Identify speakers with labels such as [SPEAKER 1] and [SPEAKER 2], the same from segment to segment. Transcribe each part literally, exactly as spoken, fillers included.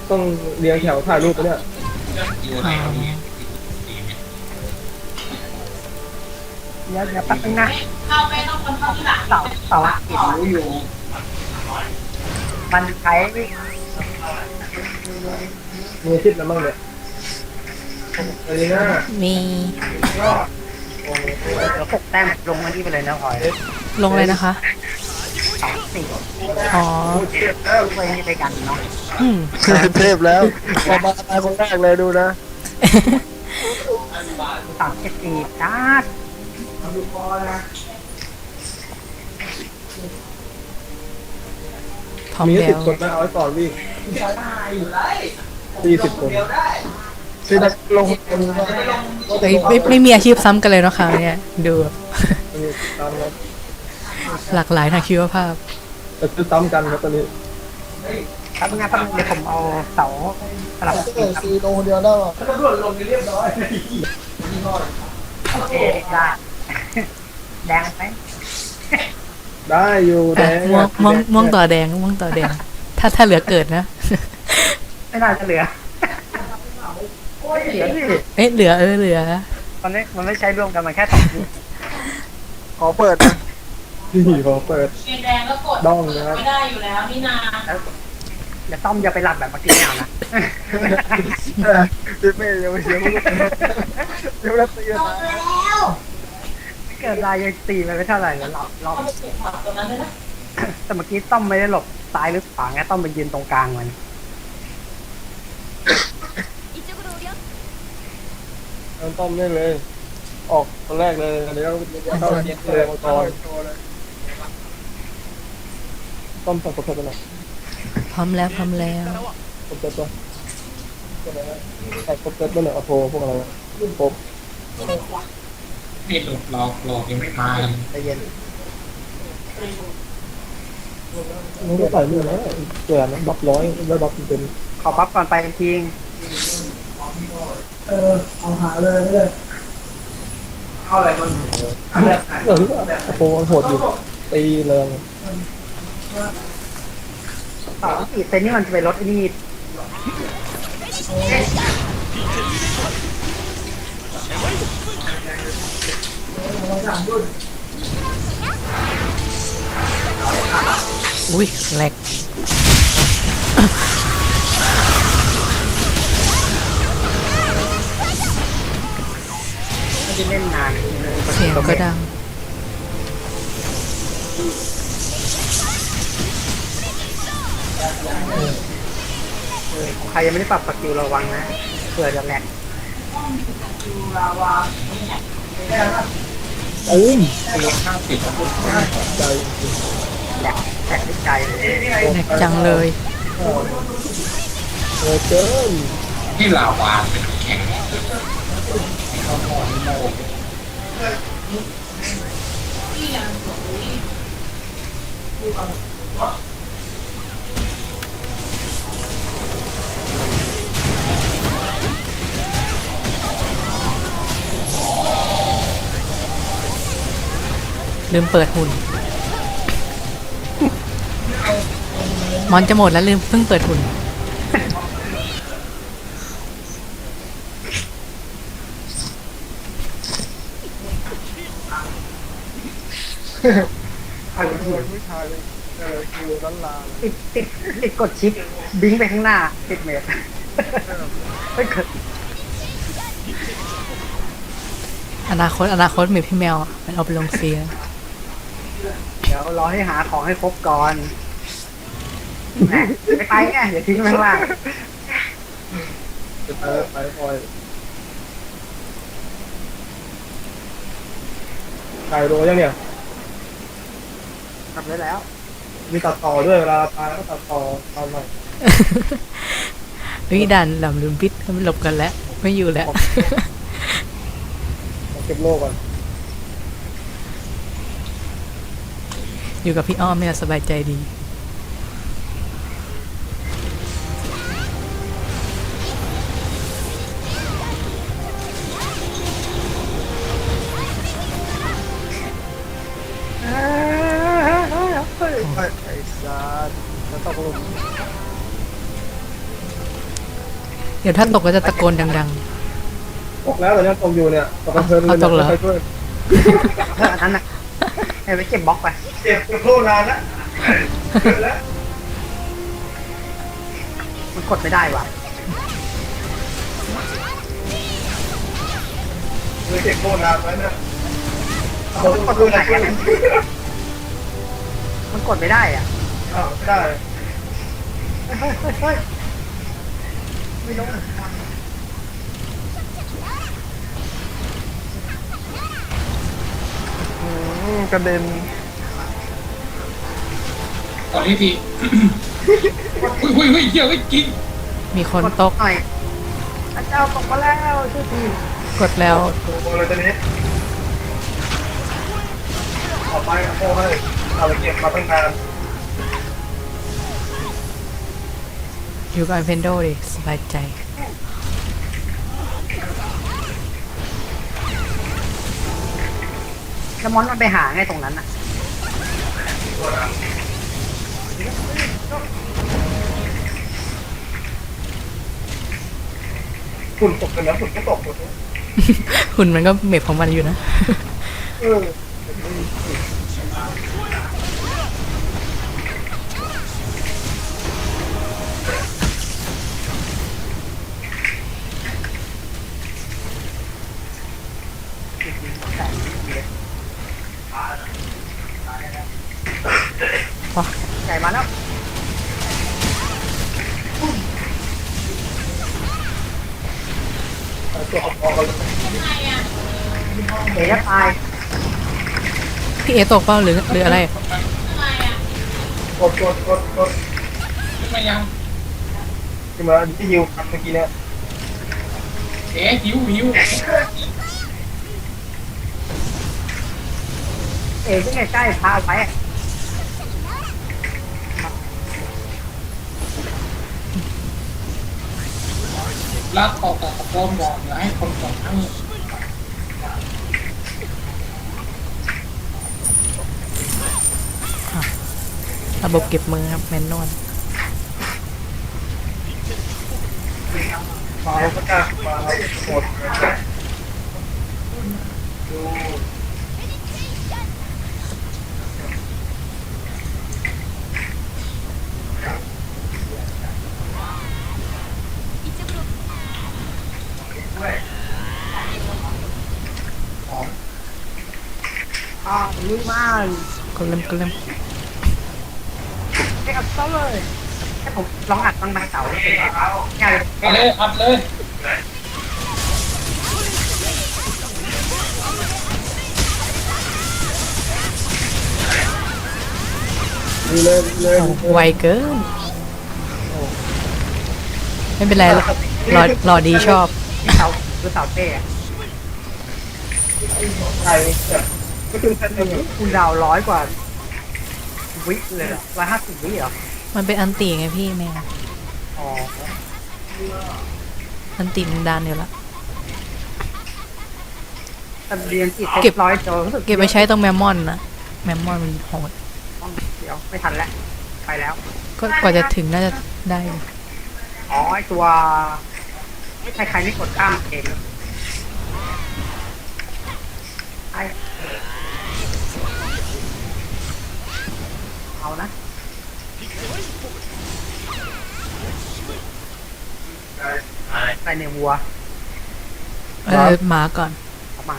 [SPEAKER 1] ต้องเรียงแถวถ่ายรูปไปเนี่ย
[SPEAKER 2] อยู่ไหนครับเนี่ย
[SPEAKER 3] เดี๋ยวเดี๋ยวแป๊บนึงนะ
[SPEAKER 4] เข้าไปต้องคนเข้าที่หลัง
[SPEAKER 3] เสาเสาอาทิตย์
[SPEAKER 2] รู้อยู่
[SPEAKER 3] มันใช้
[SPEAKER 1] มีอาทิตย์แล้วมั้งเนี่ยอะไรนะ
[SPEAKER 5] มี
[SPEAKER 1] โอ้โห
[SPEAKER 3] เดี๋ยวหกแต้มลงมาที่ไปเลยนะพลอย
[SPEAKER 5] ลงเลยนะคะ
[SPEAKER 3] สองสี่
[SPEAKER 5] อ๋อ
[SPEAKER 3] ไปนี่ไปกันเนาะ
[SPEAKER 5] อืม
[SPEAKER 1] เทพแล้วพอมาตายคนแรกเลยดูนะ
[SPEAKER 3] สามเจ็ดสี่จ้า
[SPEAKER 5] พร้อม
[SPEAKER 1] มี
[SPEAKER 5] แล้
[SPEAKER 1] สิบ
[SPEAKER 5] ว
[SPEAKER 1] คนนะเอาไว้ก่อนวิ่งสี่สิบคนคือนักลงคนก็
[SPEAKER 5] เฮ้ยไม่ไม่มีอาชีพซ้ำกันเลยเนาะค่ะเนี่ยดูแบบ
[SPEAKER 1] ตามครับ
[SPEAKER 5] หลากหลายทางชีวภาพ
[SPEAKER 1] แต่คือซ้ำกันครับตอนนี้
[SPEAKER 3] แป๊บนึงนะแป๊บนึงเดี๋ยวผมเอาเสาสลับ
[SPEAKER 1] เออซีลงเดียวได้ป่ะ
[SPEAKER 3] โอเคได้ แดงไหม
[SPEAKER 1] ได้อยู่แด
[SPEAKER 5] อ่ะ
[SPEAKER 1] ง
[SPEAKER 5] ม่วงม่วงม่วงต่อแดงม่วงต่อแดง ถ้าถ้าเหลือเกิดนะ
[SPEAKER 3] ไม่น่าจะเหลือโอ้ยเหลือดิ
[SPEAKER 5] เอ๊ะเหลือเออเหลือ
[SPEAKER 3] มันไม่มันไม่ใช้ร่วมกันมันแค่สองที
[SPEAKER 1] ขอเปิดนะนี่ขอเปิด
[SPEAKER 4] เชียร์แดงก็กด
[SPEAKER 1] ด้องนะครับ
[SPEAKER 4] ไม่ได้อยู่แล้วนี่นา
[SPEAKER 3] อย่าต้อมอย่าไปหลับแบบเมื่อกี้เอานะ
[SPEAKER 1] ดิเม่ยังไม่เสียไม่รู้ยังไม่ได้ตีนะ
[SPEAKER 3] เกิดรายยังตีไปไม่เท่าไหร่แล้วรอบรอบ
[SPEAKER 4] เอาไปเก็บผักตรงนั้นเลยนะ
[SPEAKER 3] แต่เมื่อกี้ต้อมไม่ได้หลบซ้ายหรือขวาไงต้อมไปยืนตรงกลางมัน
[SPEAKER 1] มันต้อมได้เลย ออกคนแรกเลยอันนี้ก็เข้าเรียนเลยมังกรต้อมสั่งกดเพิ่มไปหน่อย
[SPEAKER 5] พร้อมแล้วพร้อมแล้ว
[SPEAKER 1] กดเพิ่มตัวใส่กดเพิ่มไปหน่อยเอาโทรพวกอะไรผม
[SPEAKER 2] นี่หลอกหลอกหลอกยังไม่มากัน
[SPEAKER 3] ใจเย็น
[SPEAKER 1] นี่ก็ใส่นี่นะเกินนะบัฟร้อยแล้วบัฟเป็น
[SPEAKER 3] ขอปั๊บก่อนไปทีง
[SPEAKER 1] เออเอาหาเลยเลยเอาอะไรมันเออโอ้โหโหดอยู่ตีเลย
[SPEAKER 3] ต่อสี่เซนนี่มันจะไปลดไอ้นี่
[SPEAKER 5] อุ้ยแหลก
[SPEAKER 3] ไม่ได้เล่นนาน
[SPEAKER 5] เสียงก็ดัง
[SPEAKER 3] ใครยังไม่ได้ปรับสกิลระวังนะเผื่อจะแหลก
[SPEAKER 1] อุ้ม
[SPEAKER 2] ลงห้าสิบ
[SPEAKER 1] ใจ
[SPEAKER 3] แหลกแหลกด้วยใจเลย
[SPEAKER 5] แหลกจังเลย
[SPEAKER 1] เออเกิน
[SPEAKER 2] ที่ลาวาเป็นแข็ง
[SPEAKER 5] ลืมเปิดหุ่น มอนจะหมดแล้วลืมเพิ่งเปิดหุ่น
[SPEAKER 3] เอาอีกที
[SPEAKER 1] ผู้ชายเลยเออคือล้านลา
[SPEAKER 3] ติดติดติดกดชิปบิงไปข้างหน้าติดเมตรไม่เกิด
[SPEAKER 5] อนาคตอนาคตมีพี่แมวอ่ะมันเอาไปลงเสีย
[SPEAKER 3] เดี๋ยวรอให้หาของให้ครบก่อนแหมไม่ไปไงอย่าทิ้งไว้ข้างล่าง
[SPEAKER 1] จะไปไปคอยไก่โรยังเนี่ย
[SPEAKER 3] ทำได้แล้ว
[SPEAKER 1] มีตัดต่อด้วยเวลาตายก็ตัดต่อตอนใหม่
[SPEAKER 5] วิดันหลำลืมพิษมันหลบกันแล้ว ไม่อยู่แล้ว
[SPEAKER 1] เก็บโลก่อน
[SPEAKER 5] อยู่กับพี่อ้อมไม่สบายใจดี
[SPEAKER 1] ไอ้ซาดแล้วต้องลง
[SPEAKER 5] ดี๋ยวถ้าตกก็จะตะโกนดัง
[SPEAKER 1] ตกแล้วแต่เนี่ยตกอยู่เนี่ยตกกระเทินเลย
[SPEAKER 5] เอาตกเหรอ
[SPEAKER 1] ไม่ค่อยช่วย
[SPEAKER 3] เอออันนั้นน่ะให้ไปเก็บบล็อกไป
[SPEAKER 1] เจ็บกระโดดนานแล้วแล้ว
[SPEAKER 3] มันกดไม่ได้ว่ะ
[SPEAKER 1] เลยเจ็บโดดนานไว้นะ
[SPEAKER 3] มันกดตรงไหนอะมันกดไม่ได้อ่ะ
[SPEAKER 1] อ้าวไม่ได้
[SPEAKER 3] เฮ้ยเฮ้ยเฮ้ยเฮ้ยไม่ลง
[SPEAKER 1] อืมกระเด็น
[SPEAKER 2] ตอนนี้ทีหุ้ยหุ้ยหุ้ยเหี้ยเฮ้ยกิน
[SPEAKER 5] ๆ มีคน
[SPEAKER 3] กด
[SPEAKER 5] ตก
[SPEAKER 3] หน่อยพระเจ้าตกมาแล้วช่วยที
[SPEAKER 5] กดแล้ว
[SPEAKER 1] โอ้โหเลยตอนนี้ออกไปกับโอ้ให้เอาไปเก็บมาตั้งนาน
[SPEAKER 5] อยู่กับเพนโดดิสบายใจ
[SPEAKER 3] แล้วมอนมันไปหาไงตรงนั้นอ่ะ
[SPEAKER 1] ฝุ่นตกกันนะฝุ่นก็ตกหมดเลย
[SPEAKER 5] หุ่นมันก็เมบของมันอยู่นะ
[SPEAKER 1] เออ
[SPEAKER 3] ใหญ่มาแล้ว
[SPEAKER 1] เอาตัวออกออกกันเลย
[SPEAKER 4] ยังไงอ่ะ
[SPEAKER 3] เอ๋จะตาย
[SPEAKER 5] พี่เอตกเปล่าหรือหรืออะไร
[SPEAKER 4] ยังไงอ่ะ
[SPEAKER 1] กดกดกดกด
[SPEAKER 2] ขึ้นมายัง
[SPEAKER 1] ขึ้นมาที่ฮิวครับเมื่อกี้เนี่ย
[SPEAKER 2] เอ๊ะหิวหิว
[SPEAKER 3] เอ๋ที่ใกล้ๆพาไปอะ
[SPEAKER 2] แล้วต่อต่อตะโกนบอกอย่าให้คนกดทั้ง
[SPEAKER 5] ระบบเก็บมือครับแมนนวล
[SPEAKER 1] มาแล้วก็จ้ามาแล้วหมดดู
[SPEAKER 3] อ่าลุยมาก
[SPEAKER 5] ก็เริ่มก็เริ่ม
[SPEAKER 3] ให้อัดเสาเลยให้ผมลองอัดบางใบเสาเลยง่ายเลย
[SPEAKER 2] เอาเลยอัดเลย
[SPEAKER 1] ดีเลยดีเลย
[SPEAKER 5] ไวเกิน ไม่เป็นไรหรอกรอรอดีชอบ
[SPEAKER 3] ที่เสาคือเสาเต้อะ
[SPEAKER 1] ใช่แบบก็คือแค่นี้
[SPEAKER 3] คุณดาวร้อยกว่าวิเลยเหรอร้อยห้าสิบวิเหรอ
[SPEAKER 5] มันเป็นอันตีไงพี่แมว
[SPEAKER 3] อ๋อ
[SPEAKER 5] อันตีมันดันอยู่แล้ว
[SPEAKER 3] แต่เรียนติด
[SPEAKER 5] เก็บ
[SPEAKER 3] ร้อยโจรู้สึก
[SPEAKER 5] เก็บไปใช้ตรงแมมมอนนะแมมมอนมันโหด
[SPEAKER 3] ต้องเดี๋ยวไม่ทันแล้วไปแล้ว
[SPEAKER 5] ก็กว่าจะถึงน่าจะได้อยู่
[SPEAKER 3] อ๋อไอตัวใครใครไม่กดข้ามเองไอเอานะ ไปในวัว
[SPEAKER 5] เออหมาก่อน
[SPEAKER 3] ออกมา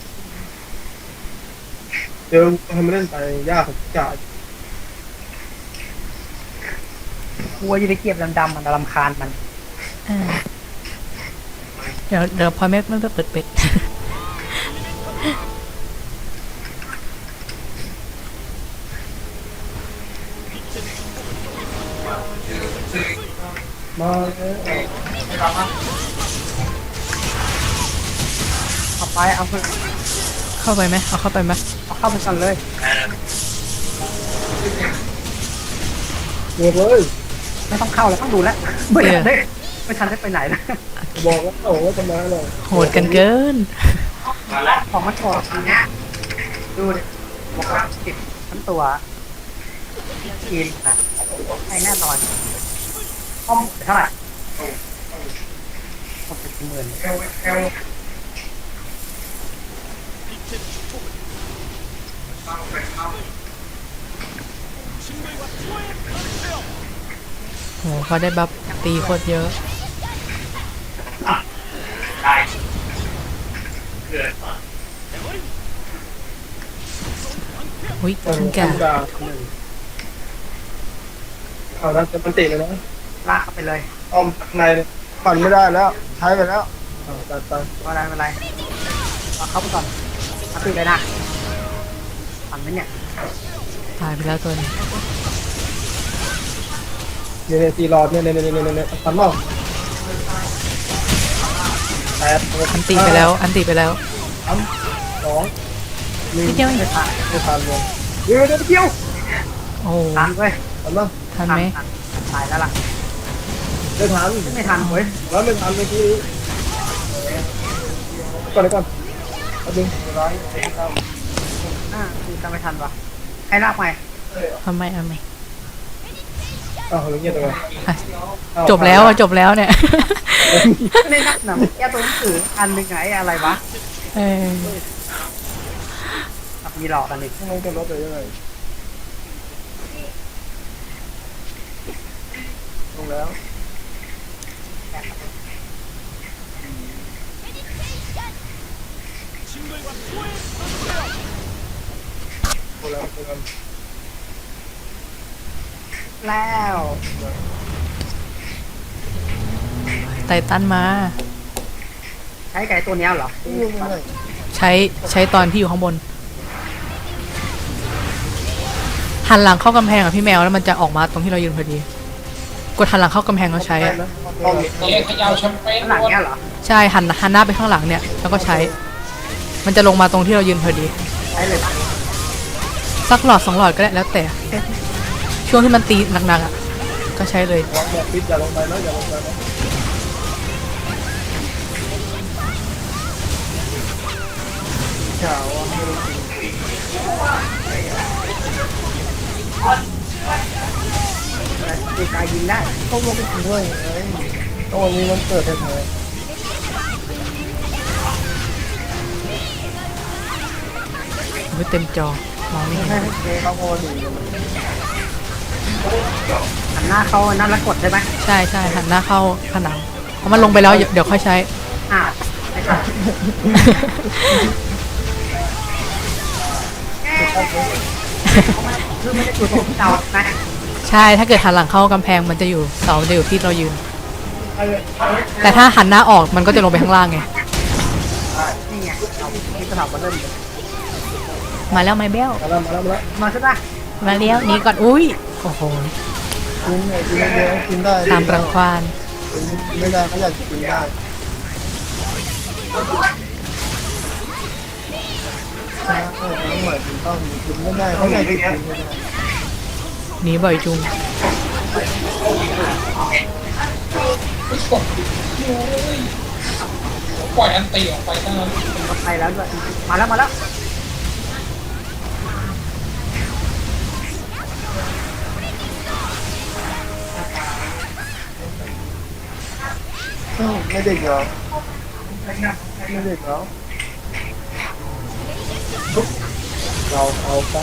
[SPEAKER 1] เดี๋ยวทำเล่นไปยากของจ่า
[SPEAKER 3] วัวจะไปเก็บดำๆมันรำคาญมัน
[SPEAKER 5] เออเดี๋ยวเดี๋ยวพอไม่ไม่เปิดเป็ด
[SPEAKER 1] มาแล้ว
[SPEAKER 3] เอาไปเอาไป
[SPEAKER 5] เข้าไปไหมเอาเข้าไปไหม
[SPEAKER 3] เอาเข้าไปก่อนเลย
[SPEAKER 1] หมดเลย
[SPEAKER 3] ไม่ต้องเข้าแล้วต้องดูแล้วไม่ทันได้ไม่ทันได้ไปไหนนะ
[SPEAKER 1] บอกแล้วโอ้ว่าจะมาเลย
[SPEAKER 5] โหดกันเกิน
[SPEAKER 3] ของมันถอดนะดูดิบอกว่าติดทั้งตัวกินนะให้แน่นอนห้องเท่าไหร่หมดไปกี่หมื่น
[SPEAKER 1] แอลแอล
[SPEAKER 5] โหเขาได้บัฟตีโคตรเยอะอุ้ยขึ้นแก่
[SPEAKER 1] ดาเอาแล้วจะมันติดเลยนะ
[SPEAKER 3] ลากเข้าไปเลย
[SPEAKER 1] อ้อมในปั่นไม่ได้แล้วใช้ไปแล้วเอาตัดไป
[SPEAKER 3] ไม่เป็นไรไม่เป็นไรเอาเข้าไปก่อนเอาตีเลยนะทันไหมเนี่ย
[SPEAKER 5] ตายไปแล้วตัวนี้
[SPEAKER 1] เนี่ยเนี่ยตีรอดเนี่ยเนี่ยเนี่ยเนี่ยเนี่ยปั่นเปล่าแปด
[SPEAKER 5] อันตีไปแล้ว อันตีไปแล้ว
[SPEAKER 1] สามสองหนึ่ง
[SPEAKER 5] นิดเดียวเอง
[SPEAKER 1] ไม่ทันไม่ทันเลยเดี๋ยวเดี๋ยวเดี๋ยว
[SPEAKER 5] โอ้โห
[SPEAKER 3] ทันเว้ย
[SPEAKER 1] ทันป่ะ
[SPEAKER 5] ทันไหม
[SPEAKER 3] ทันตายแล้วล่ะ
[SPEAKER 1] ไม่ทัน
[SPEAKER 3] ไม่ทันเว้ย
[SPEAKER 1] แล้วไม่ทันเมื่อกี้ก่อนเลยก่อนเอาดึงร้อยเก้า
[SPEAKER 3] อ่าคือจำไม่ทันวะใครลากไป
[SPEAKER 5] ทำไมทำไม
[SPEAKER 1] อ้าวเรื่องเงี้ยตัว
[SPEAKER 5] อ่ะจบแล้วอะจบแล้วเนี่ย
[SPEAKER 3] ไม่ได้นักหนาแก้ตัวหนังสืออันหนึ่งไงอะไรวะ
[SPEAKER 5] เออ
[SPEAKER 3] แบบมีหลอกกันอีก
[SPEAKER 1] ทำไมจะลดไปยังไงลงแล้วโอ้แล้วโอ้แล้ว
[SPEAKER 3] แล้ว
[SPEAKER 5] ไตตันมา
[SPEAKER 3] ใช้ไก่ตัวเนี้ยเหรอ
[SPEAKER 5] ใช้ใช้ตอนที่อยู่ข้างบน หันหลังเข้ากำแพงอ่ะพี่แมวแล้วมันจะออกมาตรงที่เรายืนพอดี กดหันหลังเข้ากำแพงแล้วใช้อะ
[SPEAKER 1] ต้อง
[SPEAKER 2] เอ๊ะขยาวแชมเปญ
[SPEAKER 3] ข้างหลังเนี้ยเหรอ
[SPEAKER 5] ใช่หันหันหน้าไปข้างหลังเนี่ยแล้วก็ใช้ มันจะลงมาตรงที่เรายืนพอดี
[SPEAKER 3] ใช้เลยปะ
[SPEAKER 5] สักหลอดสองหลอดก็ได้แล้วแต่ ช่วงที่มันตีหนักๆอ่ะก็ใช้เลย
[SPEAKER 1] วางแบบปิดอย่าลงไปนะอย่าลงไปนะข่าวว่าไม่รู้จริง
[SPEAKER 3] ตีกายยิงได้
[SPEAKER 1] ต้องลงไปถึงด้วยเอ้ยต้องวันนี้มันเกิดแท้
[SPEAKER 5] ไม่เต็มจอมองไม่
[SPEAKER 1] ๆ
[SPEAKER 5] เห็น
[SPEAKER 1] ให้เจ๊เขาโง่ดีเลย
[SPEAKER 3] หันหน้าเขานั่นแล้วกดใช่ไหม
[SPEAKER 5] ใช่ใช่หันหน้าเข้าผนังเพราะมันลงไปแล้วเดี๋ยวเดี๋ยวค่อยใช้
[SPEAKER 3] อ่าไม่ใช่คือไม่ได้อยู่ตรงที่เรานะ
[SPEAKER 5] ใช่ถ้าเกิดหันหลังเข้ากำแพงมันจะอยู่เสามันจะอยู่ที่เรายืน แต่ถ้าหันหน้าออกมันก็จะลงไปข้างล่างไง
[SPEAKER 3] นี่ไงเอาที่สนามมาเริ่มเลย
[SPEAKER 5] มาแล้วไม่เบี้ยว
[SPEAKER 1] มาแล้วมาแล้วมาแล้ว
[SPEAKER 3] มาใช่ปะ
[SPEAKER 5] มาเลี้ยวหนี่ก่อนอุ้ยโอ้โห
[SPEAKER 1] กินไงกินเยอะกินได้
[SPEAKER 5] ตามรังควาน
[SPEAKER 1] กินไม่ได้เขาอยากกินได้ใช่เออต้องเหมือนต้องกินไม่ได้เขาอยากกินไม่ได้
[SPEAKER 5] หนีบ่อยจุง
[SPEAKER 2] ปล่อยอันตีออกไปตั้งนั้น
[SPEAKER 3] ก็ไปแล้วด้วยมาแล้วมาแล้ว
[SPEAKER 1] ไม่เด็กเหรอไม่เด็กเหรอเราเอาไป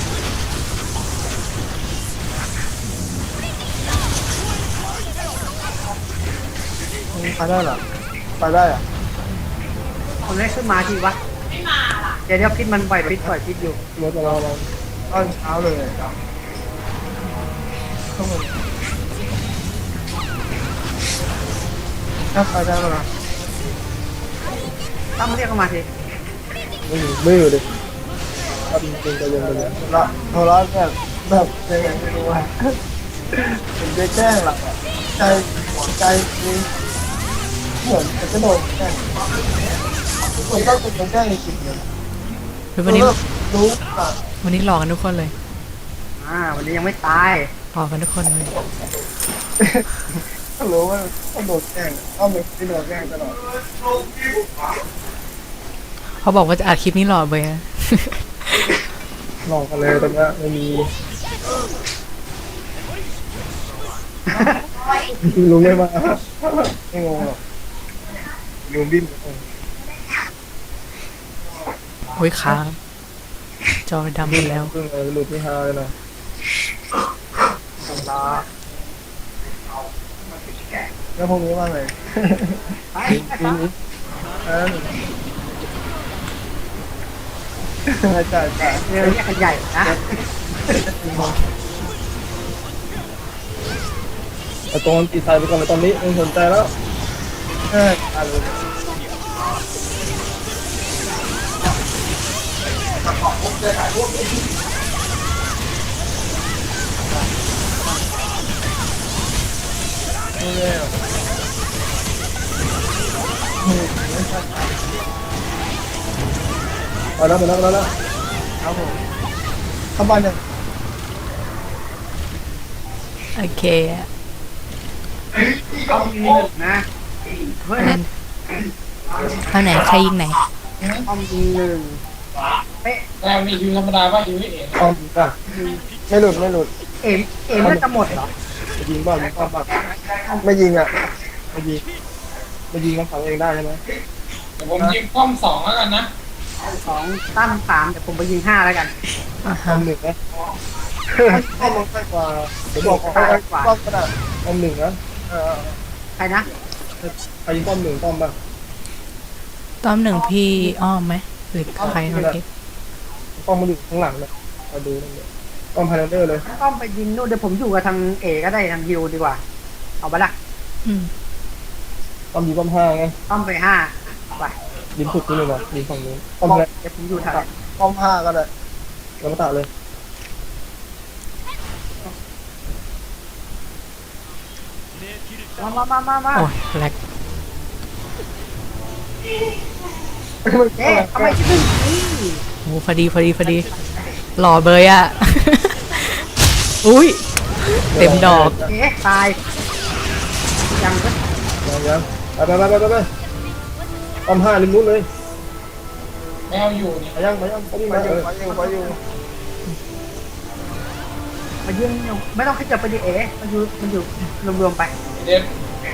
[SPEAKER 1] ไปได้เหรอไปได้อะ
[SPEAKER 3] คนแรกขึ้นมาทีวะ
[SPEAKER 4] ไม่มาล่ะ
[SPEAKER 3] เดี๋ยวเดี๋ยวพิษมันปล่อยพิษปล่อยพิษอยู่
[SPEAKER 1] รถเราเราตอนเช้าเลยต้องมันถ้าไปได้แล้วนะ
[SPEAKER 3] ต้องเรียกเข้ามาที
[SPEAKER 1] ไม่อยู่ไม่อยู่ดิทำจริงๆจะยังไงละโทรศัพท์แบบแบบยังไงไม่รู้ว่าเป็นไปแจ้งหลักอ่ะใจหัวใจนี่เหมือนจะกระโดดแจ้งเหมือนต้องเป็นแจ้งในจิตเลย
[SPEAKER 5] เฮ้ยวันนี้
[SPEAKER 1] รู้ป่ะ
[SPEAKER 5] วันนี้หลอกกันทุกคนเลย
[SPEAKER 3] อ่าวันนี้ยังไม่ตาย
[SPEAKER 5] หลอกกันทุกคนเลย
[SPEAKER 1] ต้องรู้ว่าต้องโดนแจ้งต้องไม่โดนแจ้งตลอด
[SPEAKER 5] เขาบอกว่าจะอัดคลิปนี้หลอกเลยนะ
[SPEAKER 1] ลองกันเลยตรงนี้ไม่มีลุงไม่มาไม่งงหรอกยูบิน
[SPEAKER 5] โอ้ยค้าง จอดำหมดแล้ว
[SPEAKER 1] เพิ่งเลยหลุดที่ฮาเลยนะ
[SPEAKER 3] รอ
[SPEAKER 1] แล้วพวกนี้ว่าไง
[SPEAKER 3] ไป
[SPEAKER 1] มี
[SPEAKER 3] ไป
[SPEAKER 1] มี
[SPEAKER 3] ต่อ
[SPEAKER 1] อันนั้นจ่ายจ่าย
[SPEAKER 3] เรือแยกกันใหญ่นะ
[SPEAKER 1] ไอ้ตรงตีไทยไปก่อนเลยตอนนี้ไม่สนใจแล้วเอออะไรไม่แน่มาแล้วมาแล้วมาแล้วครับผมเข้าบ้านยัง
[SPEAKER 5] โอเคอะ
[SPEAKER 3] ต้องมีหนึ่งนะเฮ้ย
[SPEAKER 5] นั่นเอาไหนใครยิงไหน
[SPEAKER 3] ต้องมีหนึ่งเป๊ะ
[SPEAKER 2] แต่มีฮิวธรรมดาป่ะฮิวไม่เอง
[SPEAKER 1] อ้อมป่ะไม่หลุดไม่หลุด
[SPEAKER 3] เอ็มเอ็มมันจะหมดเหรอ
[SPEAKER 1] ไม่ยิงบ้างยิงป้อมบ้างไม่ยิงอ่ะไม่ยิงไม่ยิงมันฝังเองได้ใช่ไหม
[SPEAKER 2] เดี๋ยวผมยิงป้อมสองแล้วกันนะ
[SPEAKER 3] สองตั้มสามเดี๋ยวผมไปยิงห้าแล้วกัน
[SPEAKER 5] อ่า
[SPEAKER 1] ป้อ
[SPEAKER 5] ฮะ
[SPEAKER 1] มหนึ่งนะป้อมมันใกล้กว่าเดี๋ยวบอกเขาป้อมก็ได้ป้อมหนึ่งนะเออ
[SPEAKER 3] ใครนะ
[SPEAKER 1] ใครยิงป้อมหนึ่งป้อมบ้าง
[SPEAKER 5] ต้อมหนึ่งพี่อ้อมไหมหรือใครเมื่อกี้
[SPEAKER 1] ป้อมมันอยู่ข้างหลังนะมาดูนั่นเลยป้อมพาราเดอร์เลย
[SPEAKER 3] ต้องไปยิงนู่นเดี๋ยวผมอยู่กับทางเอก็ได้ทางฮิวดีกว่า เอาไปละ
[SPEAKER 5] อืม
[SPEAKER 1] ป้อมยิงป้อมห้าไง
[SPEAKER 3] ต้องไปห้าไป
[SPEAKER 1] ยิงสุดนี่เลยนะยิงฝั่งนู้นป้อม
[SPEAKER 3] บอก
[SPEAKER 1] แรก
[SPEAKER 3] เดี๋ยวผมอยู่แถว
[SPEAKER 1] ป้อมห้าก็ได้แล้วมาตัดเลย
[SPEAKER 3] มามามามามา
[SPEAKER 5] โอ้ยแหลก
[SPEAKER 3] เอ๊ะทำไมที่หนึ่งนี่
[SPEAKER 5] โอ้พอดีพอดีพอดี หล่อเบยอะ อุ้ย เต็มดอก
[SPEAKER 3] เอ๊ะตายยังก็
[SPEAKER 1] ยังยังไปไปไปไปไปป้อมห้าริมนู้นเลย
[SPEAKER 2] แมวอยู่นี่
[SPEAKER 1] ไปยังไปยังป้อมมาอยู่ไปอยู่ไปอยู่
[SPEAKER 3] มายิงไม่ต้องขยับไปดิเอ๊ะมันอยู่มันอยู่รวมๆไป
[SPEAKER 2] เด็ด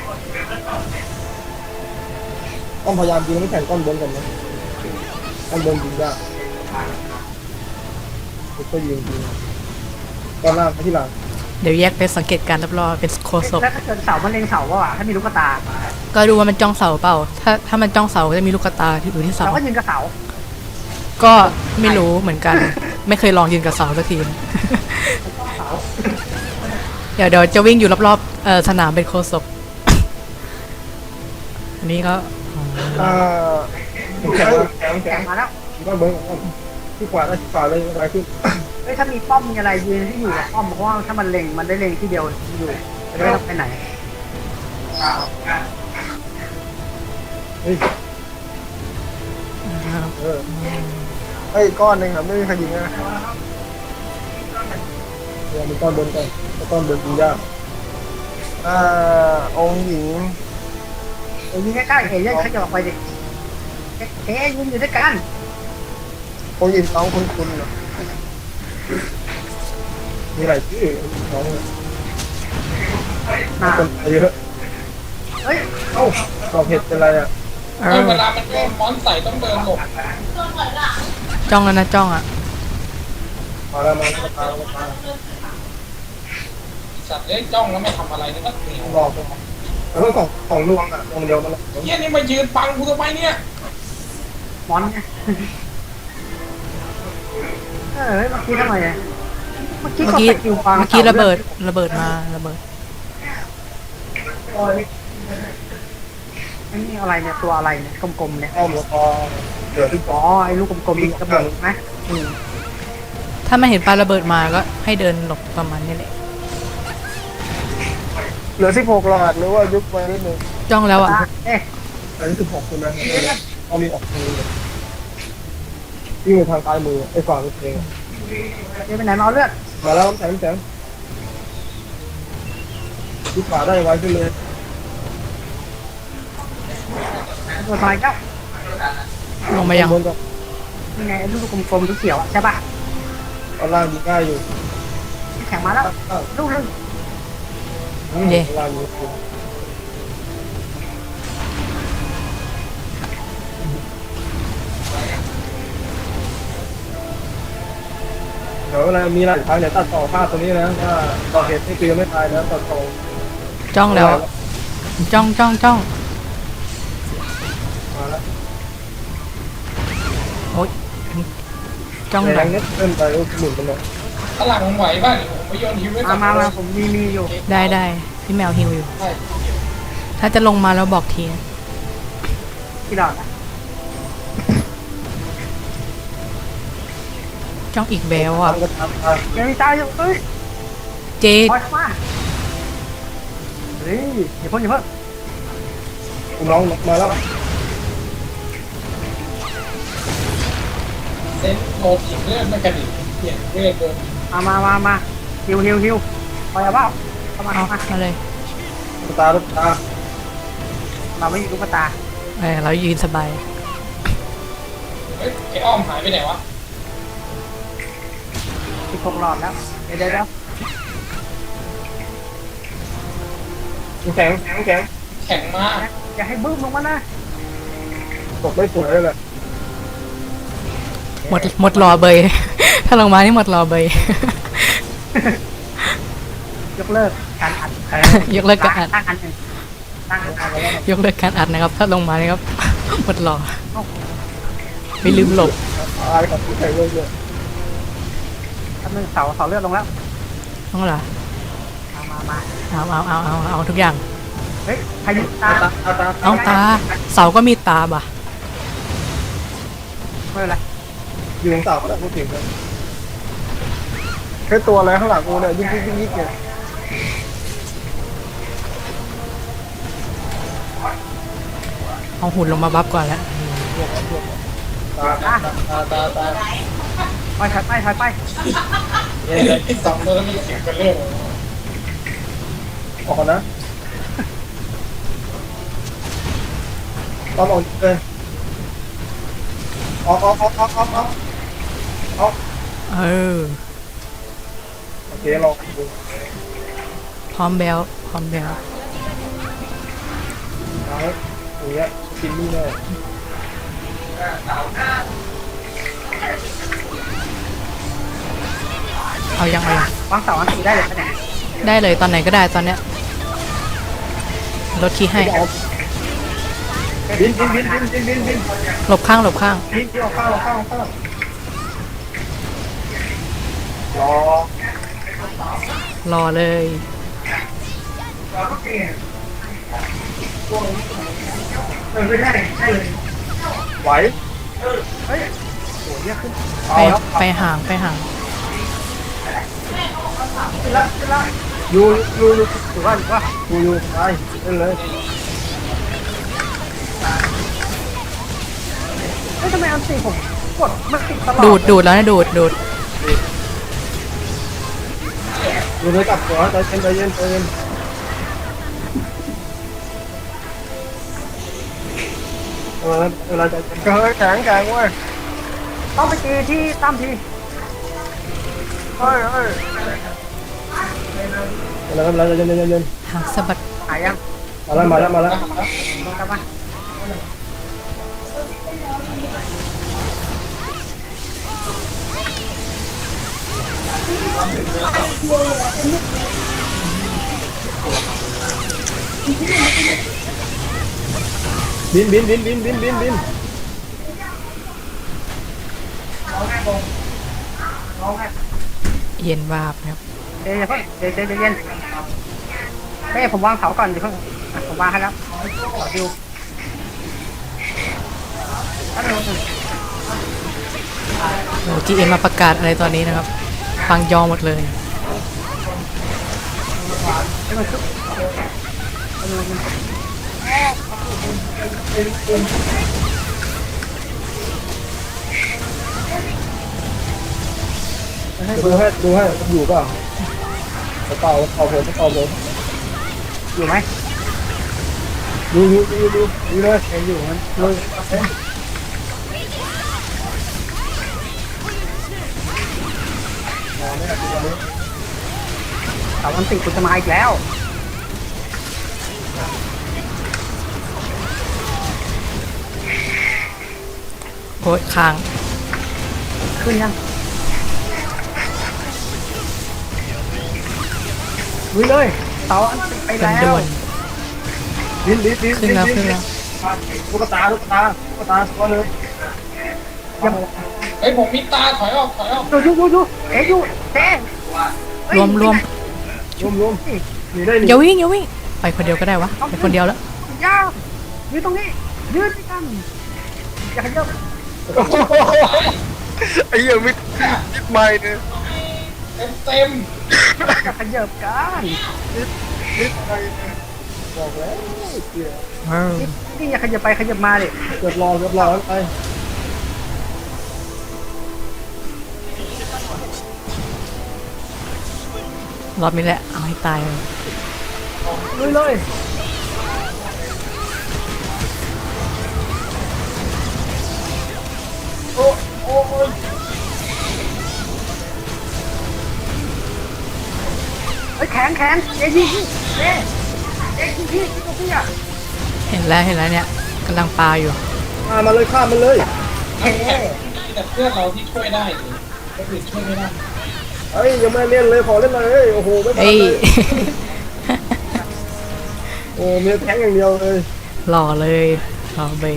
[SPEAKER 1] ต้องพยายามยิงไม่แข่งก้อนบนก่อนนะก้อนบนยิงยากก็ยิงยิงก้อนล่างไปที่หลัง
[SPEAKER 5] เดี๋ยวแยกไปสังเกตการณ์รอบๆเป็นโคศก
[SPEAKER 3] แล้วถ้าเกิดเสามันเล็งเสาว่าถ้ามีลูกตา
[SPEAKER 5] ก็ดูว่ามันจ้องเสาเปล่า ถ้าถ้ามันจ้องเสาก็จะมีลูกตาที่อยู่ที่เสา
[SPEAKER 3] เราก็ยิงกับเสา
[SPEAKER 5] ก็ไม่รู้เหมือนกัน ไม่เคยลองยืนกับเสาสักที
[SPEAKER 3] เสา
[SPEAKER 5] เดี๋ยวเดี๋ยวจะวิ่งอยู่รอบๆเอ่อสนามเป็นโคศก อันนี้ก็
[SPEAKER 1] อ่าแข่งแข่ง
[SPEAKER 3] แข่
[SPEAKER 1] แข่
[SPEAKER 3] ง
[SPEAKER 1] ง
[SPEAKER 3] มาแล้ว
[SPEAKER 1] ก็เบิ้งที่ขวาได้ที่ขวาเลยอะไรขึ้น
[SPEAKER 3] เฮ้ยถ้ามีป้อมมีอะไรยืนที่อยู่กับป้อมเพราะว่าถ้ามันเล็งมันได้เล็งที่เดียวอยู่จะไม่ต้องไปไหน
[SPEAKER 1] เฮ้ย
[SPEAKER 5] อ่า
[SPEAKER 1] เออไอ้ก้อนหนึ่งครับไม่มีใครยิงนะเดี๋ยวมีก้อนบนก่อนก้อนบนยิงยากอ่าองค์หญิง
[SPEAKER 3] เอ้ยยิงใกล้ๆเอ๋ยังขยับออกไปดิเอ๊ะเอ๊ะยิงอยู่ด้วยกัน
[SPEAKER 1] องค์หญิงน้องคุณคุณเหรอมีหลายชื่อน้อง
[SPEAKER 3] น่า
[SPEAKER 1] คนเยอะ
[SPEAKER 3] เฮ้ย
[SPEAKER 1] เอ้าดอกเห็ดเป็นไรอ่ะ
[SPEAKER 5] เอ
[SPEAKER 2] เฮ้ย
[SPEAKER 5] อ
[SPEAKER 2] เวลามันโดนมอนใส่ต้องเดินหลบ
[SPEAKER 4] โดนหอยหลัง
[SPEAKER 5] จ้องแล้วนะจ้องอ่ะ
[SPEAKER 1] มาแล้วมาแล้วมาแล้วมา
[SPEAKER 2] สัตว์เลี้ยงจ้องแล้วไม่ทำอะไรนี่ก็เหนียว
[SPEAKER 1] หลอกแล้วก็ของของลวงอ่ะลวงเดียวมัน
[SPEAKER 2] เฮียนี่มายืนบังกูทำไมเนี่ย
[SPEAKER 3] มอนไงเออเฮ้ยเมื่อกี้ทำไมอะเมื่อกี้
[SPEAKER 5] เมื่
[SPEAKER 3] ก็
[SPEAKER 5] อกี้
[SPEAKER 3] สกิลวาง
[SPEAKER 5] เมื่อกี้ระเบิดระเบิดมาระเบิด
[SPEAKER 3] ไอ้นี่อะไรเนี่ยตัวอะไรเนี่ยกลมๆเนี่ย
[SPEAKER 1] อ้อมแล้วพอเหลือที่
[SPEAKER 3] อ๋อไอ้ลูกกลมๆมีกระบอกไหมอืม
[SPEAKER 5] ถ้าไม่เห็นปลาระเบิดมาก็ให้เดินหลบประมาณนี้แหละ
[SPEAKER 1] เหลือสิบหกหลอดหรือว่ายุบไปนิดนึง
[SPEAKER 5] จ้องแล้วอ่ะ
[SPEAKER 3] เอ๊ะ
[SPEAKER 1] อันนี้สิบหกคุณนะเอามีออกมือวิ่งไปทางซ้ายมือไอ้ฝั่งเอง
[SPEAKER 3] เดี๋ยวไปไหนมาเอาเลือด
[SPEAKER 1] มาแล้วน้ำแข็งน้ำแข็งที่ขวาได้ไว้ขึ้นเลย
[SPEAKER 3] ตัวซอยเก้า
[SPEAKER 5] ลงมายัง
[SPEAKER 1] บนก็
[SPEAKER 3] ยังไงไอ้ลูกกลมๆสีเขียวอะใช่ป่ะ
[SPEAKER 1] ตอนล่างดีง่ายอยู่
[SPEAKER 3] แข่งมาแล้วลูกนึง
[SPEAKER 1] ตอนล่างอยู่ดี๋ยวเวลามีหลักฐานเดี๋ยวตัดต่อภาพตรงนี้นะว่าต่อเหตุที่คือยังไม่ตายนะตัดต่อ
[SPEAKER 5] จ้องแล้วจ้องจ้องจ้อง
[SPEAKER 1] มาแล้ว
[SPEAKER 5] โอ๊ยจ้อง
[SPEAKER 1] แร
[SPEAKER 5] แล้
[SPEAKER 1] งนิดเกินไปก็หมุนกันเลย
[SPEAKER 2] พลังไหวบ้างผมไปโยนฮิวไว้
[SPEAKER 3] มามามาผมมีมีอยู่
[SPEAKER 5] ได้ได้พี่แมวฮิวอยู่
[SPEAKER 2] ใช่
[SPEAKER 5] ถ้าจะลงมาแล้วบอกทีนะ
[SPEAKER 3] ที่ดอกนะ
[SPEAKER 5] จ้องอีกแบลอ่ะ
[SPEAKER 1] ทำก็ทำไป
[SPEAKER 3] ยังมีตายอยู่เฮ้ย
[SPEAKER 5] เจ
[SPEAKER 3] ปล่อยเข้ามาเฮ้ยอย่าเพิ่งอย่าเพิ่ง
[SPEAKER 1] คุณน้องมาแล้ว
[SPEAKER 2] เซนโดนอีกเลือดไม่กระดิกเปลี่ยนเวทเดิน
[SPEAKER 3] มามามามาฮิวฮิวฮิวปล่อยเอาเปล่าเข้ามา
[SPEAKER 5] เอา
[SPEAKER 3] เข้ามา
[SPEAKER 5] มาเลย
[SPEAKER 1] ลูกตาลูกตา
[SPEAKER 3] เราไม่มีลูกตา
[SPEAKER 5] เออเรายืนสบาย
[SPEAKER 2] เฮ้ยไอ้อ้อมหายไปไหนวะ
[SPEAKER 3] สิบหกหลอดแล้วเดี๋ยวเดี๋ยวเดี๋ยว
[SPEAKER 1] แข็งแข็งแข็ง
[SPEAKER 2] แข็งมาก
[SPEAKER 3] อย่าให้บึ้มลงมานะ
[SPEAKER 1] ตกไม่สวยเลยแหละ
[SPEAKER 5] หมดหมดรอเบย ถ้าลงมานี่หมดรอเบย
[SPEAKER 3] ยกเลิกการอัด
[SPEAKER 5] ยกเลิกการอัด
[SPEAKER 3] ตั้งอันหนึ่งตั้งอันไว้แล้ว
[SPEAKER 5] ยกเลิกการอัดนะครับ ถ้าลงมานี่ครับ หมดรอไม่ลืมหลบ
[SPEAKER 1] ตายกับที่ใส่เลยเลย
[SPEAKER 3] อันหนึ่งเสาเสาเลือดลงแล้ว
[SPEAKER 5] ต้องเหรอ
[SPEAKER 3] มามามา
[SPEAKER 5] เอาเอาเอาเอาเอาทุกอย่าง
[SPEAKER 3] เฮ้ยพายุตา
[SPEAKER 1] ตาตาตา
[SPEAKER 5] เอาตา เสาก็มีตาบ่ะ
[SPEAKER 3] ไม่เป็นไร
[SPEAKER 1] อยู่ตรงเสาก็ได้พูดถึงเลยแค่ตัวอะไรข้างหลังกูเนี่ยยิ่งยิ่งยิ่งยิ่งเนี่ย
[SPEAKER 5] เอาหุ่นลงมาบัฟก่อนแล้ว
[SPEAKER 1] ตาตาตาตาตา
[SPEAKER 3] ไปถอยไปถอยไป
[SPEAKER 2] ไอ้สองตัวนั้นมันเสียงกันเรื่อง
[SPEAKER 1] ออกก่อนนะตอนออกเลยออกออกออกออกออกออกออก
[SPEAKER 5] เออ
[SPEAKER 1] โอเคลองดู
[SPEAKER 5] พร้อมแบลพร้อมแบล
[SPEAKER 1] เอาอย่างเงี้ยกินนี่เลย
[SPEAKER 5] เอายังไง
[SPEAKER 3] วางเสาอันตีได้เลยปะเนี่ย
[SPEAKER 5] ได้เลยตอนไหนก็ได้ตอนเนี้ยลดคีย์ให้
[SPEAKER 1] บินบินบินบินบินบินบิน
[SPEAKER 5] หลบข้างหลบข้าง
[SPEAKER 1] บินที่เอาข้าวเอาข้าวเอาข้าวรอ
[SPEAKER 5] รอเลย
[SPEAKER 3] เออไม่ได้ได้เลย
[SPEAKER 1] ไหว
[SPEAKER 3] เฮ้ยโหเยอะขึ้น
[SPEAKER 5] ไปไปห่างไปห่าง
[SPEAKER 3] ขึ้นละขึ้นละ
[SPEAKER 1] อยู่อยู่อยู่
[SPEAKER 3] ถือว่าถือว่า
[SPEAKER 1] อยู่อยู่ไปเล่นเลย
[SPEAKER 3] เฮ้ยทำไมอันตีผมกดมันติดตลอด
[SPEAKER 5] ดูดดูดแล้วนะดูดดูด
[SPEAKER 1] อยู่เลยกลับหัวใจเย็นใจเย็นใจเย็นเออเวลาใจเย็นเฮ้ยแข็งแข็งเว้ย
[SPEAKER 3] ต้องไปตีที่ตั้มที
[SPEAKER 1] เฮ้ยเฮ้ยเวลาเวลาใจเย็นใจเย็นใจเย็น
[SPEAKER 5] หางสะบัด
[SPEAKER 3] หายยัง
[SPEAKER 1] มาแล้วมาแล้วมาแล้ว
[SPEAKER 3] กลับมา
[SPEAKER 1] บินบินบินบินบินบินบิน
[SPEAKER 5] เย็นวาบครับ
[SPEAKER 3] เดี๋ยวอย่าเพิ่งเดี๋ยวเดี๋ยวเดี๋ยวเย็นเฮ้ยผมวางเสาก่อนเดี๋ยวเพิ่งอ่ะผมวางให้แล้วขอดูอันนึง
[SPEAKER 5] โอ้จีเอ็มมาประกาศอะไรตอนนี้นะครับ ฟังยอหมดเลย
[SPEAKER 3] ให้มันชุบอันนึง
[SPEAKER 1] ดูให้ดูให้อยู่เปล่าเปล่าเปล่าผมเปล่าผม
[SPEAKER 3] อยู่ไหม
[SPEAKER 1] ดูดูดูดูดูเลยยังอยู่มันเลยมองไม่ได้ดูตอนนี้
[SPEAKER 3] เสาอันติคุณจะมาอีกแล้ว
[SPEAKER 5] โอ้ยค้าง
[SPEAKER 3] ขึ้นยังลุยเลยเตาอันไป
[SPEAKER 5] เป็น
[SPEAKER 3] แล้
[SPEAKER 5] ด่
[SPEAKER 3] ว
[SPEAKER 5] วน
[SPEAKER 1] ลิ้นลิ้นลิ้น
[SPEAKER 5] ขึ้นแล้วขึ้นแล้ว
[SPEAKER 1] ลูกตาลูกตาลูกตาก็เลย
[SPEAKER 2] เฮ้ยผมมีตาถอยออกถอยออก
[SPEAKER 3] ดูดูดูดูเอ๊ะดูเต้เฮ้ย
[SPEAKER 5] รวมรวม
[SPEAKER 1] รวมรวมหนีได้หนี
[SPEAKER 5] อย่าวิ่งอย่าวิ่งไปคนเดียวก็ได้วะไปคนเดียวแล้ว
[SPEAKER 3] ยาวยืนตรงนี้ยืนด้วยกันอย่าขยับ
[SPEAKER 1] ไอ้เหี้ยมิดมิดไม่เนี่ย
[SPEAKER 2] เต็มเต็ม
[SPEAKER 3] อย่าขยับกัน
[SPEAKER 1] มิดไม่บอกแล้วเหี้ย
[SPEAKER 3] นี่นี่อย่าขยับไปขยับมาดิ
[SPEAKER 1] เกือบรอเกือบรอไป
[SPEAKER 5] รอบนี้แหละเอาให้ตายเลย
[SPEAKER 3] ลุยเลยโอ้โอ้เฮ้ยแข็งแข็งเอ๊ะยิงเอ๊ะเอ๊ะยิงพี่ยิงตัวพี่อ่ะ
[SPEAKER 5] เห็นแล้วเห็นแล้วเนี่ยกำลังปลาอยู่
[SPEAKER 1] ฆ่ามันเลยฆ่ามันเลย
[SPEAKER 3] เฮ้
[SPEAKER 2] แต่เพื่อนเราที่ช่วยได้อยู่คนอื่นช่วยไม่ได้
[SPEAKER 1] เฮ้ยยังไม่เล่นเลยขอเล่นเลยโอ้โหไม่ทัน
[SPEAKER 5] เอ้ย
[SPEAKER 1] เลยโอ้มีแทงอย่างเดียวเลย
[SPEAKER 5] หล่อเลยหล่อเบย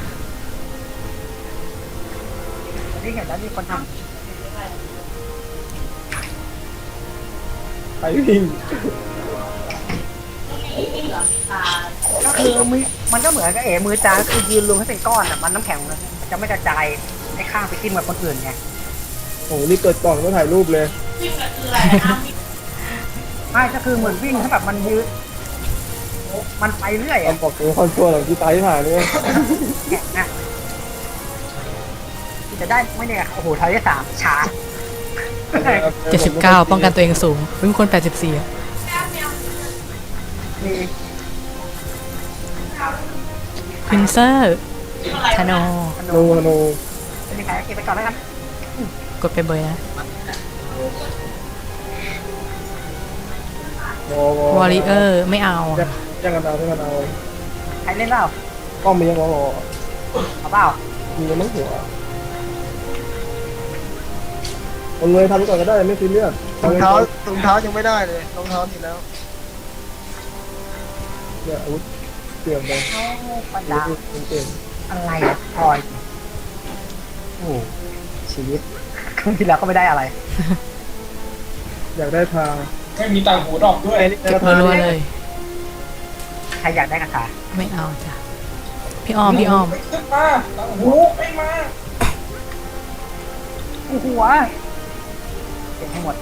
[SPEAKER 3] นี่เห็นแล้วมีคนท
[SPEAKER 1] ไปวิ่ง
[SPEAKER 3] ำก็คือมือมันก็เหมือนกับเอ๋มือจางคือยืนรวมให้เป็นก้อนอ่ะมันน้ำแข็งมันจะไม่กระจายให้ข้างไปกินเหมือนคนอื่นไง
[SPEAKER 1] โอ้โหนี่เกิดก่อนก็ถ่ายรูปเลย
[SPEAKER 4] วิ่งน่ะคืออะไรนะ
[SPEAKER 3] ไม่ก็คือเหมือนวิ่งถ้าแบบมันยืนมันไปเรื่อย
[SPEAKER 1] ตอ
[SPEAKER 3] อ่ะ
[SPEAKER 1] นบอกตัวคอนทัวร์หลังที่ตายที่ผ่านเนี่ย
[SPEAKER 3] แกะนะจะได้ไม่เนี่ยโอ้โหทายได้สามช้า
[SPEAKER 5] เจ็ดสิบเก้าป้องกันตัวเองสูงเป็นคนแปดสิบสี่อะ
[SPEAKER 3] มี
[SPEAKER 5] พินเซอร์ชาโน
[SPEAKER 3] ขน
[SPEAKER 1] โน
[SPEAKER 3] ม
[SPEAKER 1] โน
[SPEAKER 3] เป็นยังไงเก็บไปก่อนแล้วกัน
[SPEAKER 5] กดไปเบยนะ
[SPEAKER 1] วอวอ
[SPEAKER 5] วอริเออร์ไม่เอา
[SPEAKER 1] แย่งกันเอาแย่งกันเอา
[SPEAKER 3] ใครเล่นเปล่า
[SPEAKER 1] ป้อมมียังวอวอ
[SPEAKER 3] เอาเปล่า
[SPEAKER 1] มียังมั้งหัวเอาเลยทำก่อนก็ได้ไม่ซีเรียส
[SPEAKER 6] รองเท้ารองเท้ายังไม่ได้เลยรองเท้านี่แล้ว
[SPEAKER 1] เนี่ยอาวุธเตรียมไป
[SPEAKER 3] เอาปัญญา
[SPEAKER 1] เก่ง
[SPEAKER 3] อะไรอะพลอยโอ้ชีวิตครั้งที่แล้วก็ไม่ได้อะไร
[SPEAKER 1] อยากได้ทาง
[SPEAKER 2] ไม่มีต่างหูดอกด้วย
[SPEAKER 5] เก็บรัวๆเลย
[SPEAKER 3] ใครอยากได้กระถา
[SPEAKER 5] ไม่เอาจ้ะพี่อ้อมพี่อ้อม
[SPEAKER 2] ขึ้นมาต่างหูไม่มา
[SPEAKER 3] โอ้โหวเก็บให้หมด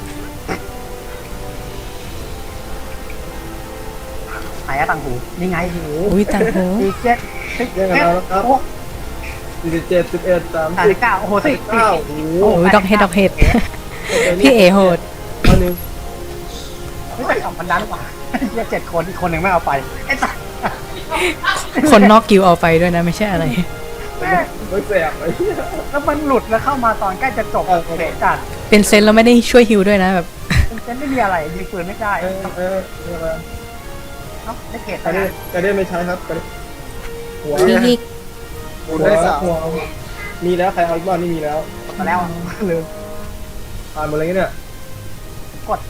[SPEAKER 3] ไหนอะต่างหูนี่ไงหู
[SPEAKER 5] อุ้ยต่างหู
[SPEAKER 3] สี่เจ็ดสิบ
[SPEAKER 1] แย่งกัน
[SPEAKER 3] เอ็ด
[SPEAKER 1] เอาแล้วครับ
[SPEAKER 3] โอ้
[SPEAKER 1] สี่สิบเจ็ดสิบเอ็ดสาม
[SPEAKER 3] สาม
[SPEAKER 1] สิ
[SPEAKER 3] สิ
[SPEAKER 1] บบ
[SPEAKER 3] เก้าโอ้โหสี่
[SPEAKER 1] เก้าโอ้โห
[SPEAKER 5] โอ้ยดอกเห็ดดอกเห็ดพี่เอโหด
[SPEAKER 1] อันนึง
[SPEAKER 3] ไม่ใช่สองพันล้านกว่าเรียกเจ็ดคนอีกคนหนึ่งไม่เอาไปไอ้สัส
[SPEAKER 5] คนนอกกิวเอาไปด้วยนะไม่ใช่อะไร
[SPEAKER 3] แม่
[SPEAKER 1] ไม่แสบไอ้เหี้ย
[SPEAKER 3] แล้วมันหลุดแล้วเข้ามาตอนใกล้จะจบ
[SPEAKER 1] เออ
[SPEAKER 3] เสร็จจัด
[SPEAKER 5] เป็นเซนแล้วไม่ได้ช่วยฮิวด้วยนะแบบ
[SPEAKER 3] เซนไม่มีอะไรยิงปืนไม่ได้
[SPEAKER 1] เออเออเออ
[SPEAKER 3] เนาะได้เกต
[SPEAKER 1] กระเด้กระเด้ไม่ใช้ครับกระเด้หัว
[SPEAKER 5] นี่นี่
[SPEAKER 1] หัวหัวมีแล้วใครเอาอีกบ้านนี่มีแล้ว
[SPEAKER 3] มาแล้ว
[SPEAKER 1] ลืมผ่านหมดเลยเนี่ย
[SPEAKER 3] กด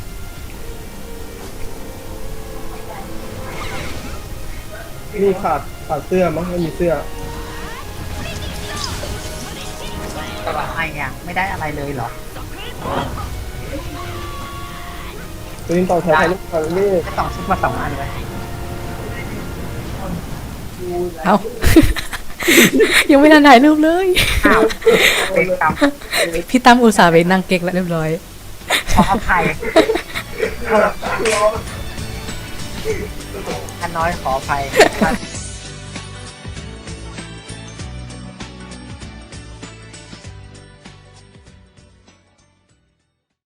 [SPEAKER 1] นี่ขาดขาดเสื้อมั้งไม่มีเสื้อ
[SPEAKER 3] อะไรอ่ะไม่ได้อะไรเลยเหรอ
[SPEAKER 1] ตัวนี้ต่อแถวถ่ายรูปถ่ายรูป
[SPEAKER 3] ได้สองชุดมาสองอันเลย
[SPEAKER 5] เอา ยังไม่ทันถ่ายรูปเลย
[SPEAKER 3] อ้าวเป็นกรรม
[SPEAKER 5] พี่ตั้มอุตส่าห์ไปนั่งเก๊กแล้วเรียบร้อย
[SPEAKER 3] ขออภัยท่านน้อยขออภัย